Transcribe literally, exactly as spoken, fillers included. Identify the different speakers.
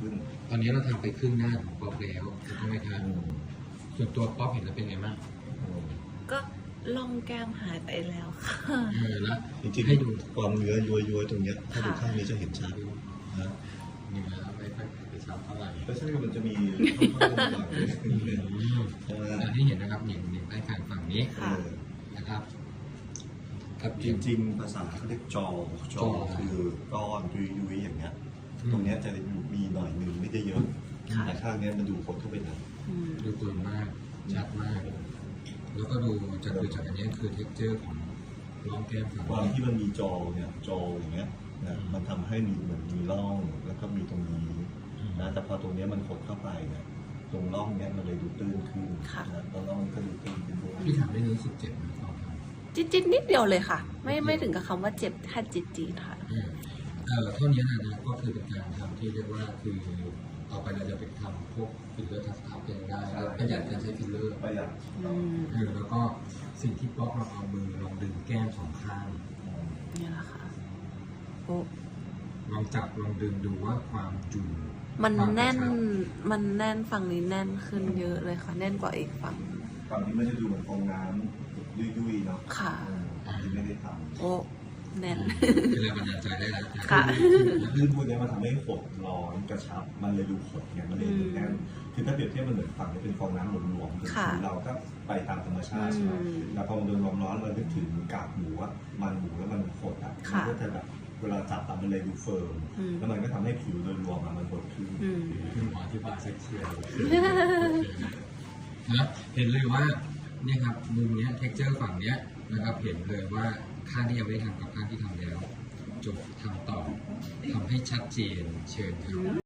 Speaker 1: ขึ้น
Speaker 2: ตอนนี้เราทำไปครึ่งหน้าของป๊อปแล้วถูกต้องไหมครับส่วนตัวป๊อปเห็นแล้วเป็นไงบ้าง
Speaker 3: ก็ล่องแก้มหายไปแล้วค่ะ
Speaker 2: เออแล้ว
Speaker 1: จริงๆให้ดูความเนื้อย้วยๆตรงเนี้ยถ้าดูข้างนี้จะเห็นชัดนะ
Speaker 2: นี่นะไม่ค่อยไปชัดเท่าไหร่
Speaker 1: ก็ใช่มันจะมี
Speaker 2: อันที่เห็นนะครับเห็นเห็นใต้คางฝั่งนี้นะครับ
Speaker 1: ครับจริงๆภาษาเขาเรียกจอจอคือก้อนยุยๆอย่างเงี้ยตรงเนี้ยจะมีหน่อยหนึ่งไม่ได้เยอะแต่ข้างนี้มันดูคนเข้าไปหน่อย
Speaker 2: ดูตัวมากชัดมากแล้วก็ดูจากดูจากอันนี้คือเท็กเจอร์ของร่องแก้มฝั่ง
Speaker 1: ความที่มันมีจอเนี่ยจออย่างเงี้ยนะมันทำให้มีเหมือนมีร่องแล้วก็มีตรงนี้นะแต่พอตรงนี้มันขดเข้าไปเนี่ยตรงร่องเนี้ยมันเลยดูตื้นขึ้นนะตรงร่องก็ดูตื้นขึ้นด้วย
Speaker 2: พี่ถามได้รู้สึกเจ็บไหมครับ
Speaker 3: จิตจิตนิดเดียวเลยค่ะไม่ไม่ถึงกับคำว่าเจ็บแค่จิตจีค่ะ
Speaker 2: เอ่อเท่านี้นะนะก็คือเป็นการทำที่เรียกว่าคือต่อไปเราจะไปทำพวกฟิลเลอร์ทัชอัพเองได้ประหยัดการใช้ฟิลเลอร์
Speaker 1: ประหยัด
Speaker 2: เออแล้วก็สิ่งที่ป๊อกเราเอามือลองดึงแก้มสองข้าง
Speaker 3: นี่แหละค่ะโอ้
Speaker 2: ลองจับลองดึงดูว่าความจุ่ม
Speaker 3: มันแน่นมันแน่นฝั่งนี้แน่นขึ้นเยอะเลยค่ะแน่นกว่าอีกฝั่ง
Speaker 1: ฝั่งนี้มันจะดูเหมือนฟองน้ำยุ่ยๆเนาะ
Speaker 3: ค่ะ
Speaker 1: ที่ไม่ได้ทำ
Speaker 3: โอ้แน่น
Speaker 2: เป็นแรงบันดาลใจได้แล้ว
Speaker 3: ค่ะ
Speaker 1: ลื่นพวกนี้มันทำให้ขดร้อนกระชับมันเลยดูขดเนี่ยมันเลยดูแน่นคือถ้าเปรียบเทียบมันเหมือนฝั่งนี้เป็นฟองน้ำหลวมๆคือเราก็ไปตามธรรมชาติใช่ไหมแล้วพอมันโดนความร้อนเรานึกถึงกากหมูอ่ะมันหมูแล้วมันขดอ่ะมันก็จะแบบเวลาจับมันเลยดูเฟิร์มแล้วมันก็ทำให้ผิวโดยรวมมันขดขึ้น
Speaker 2: คือหมอที่บาเซ็กเชียลนะเห็นเลยว่าเนี่ยครับมุมเนี้ยเท็กเจอร์ฝั่งเนี้ยนะครับเห็นเลยว่าข้างที่ยังไม่ทำกับข้างที่ทำแล้วจบทำต่อทำให้ชัดเจนเชิญครับ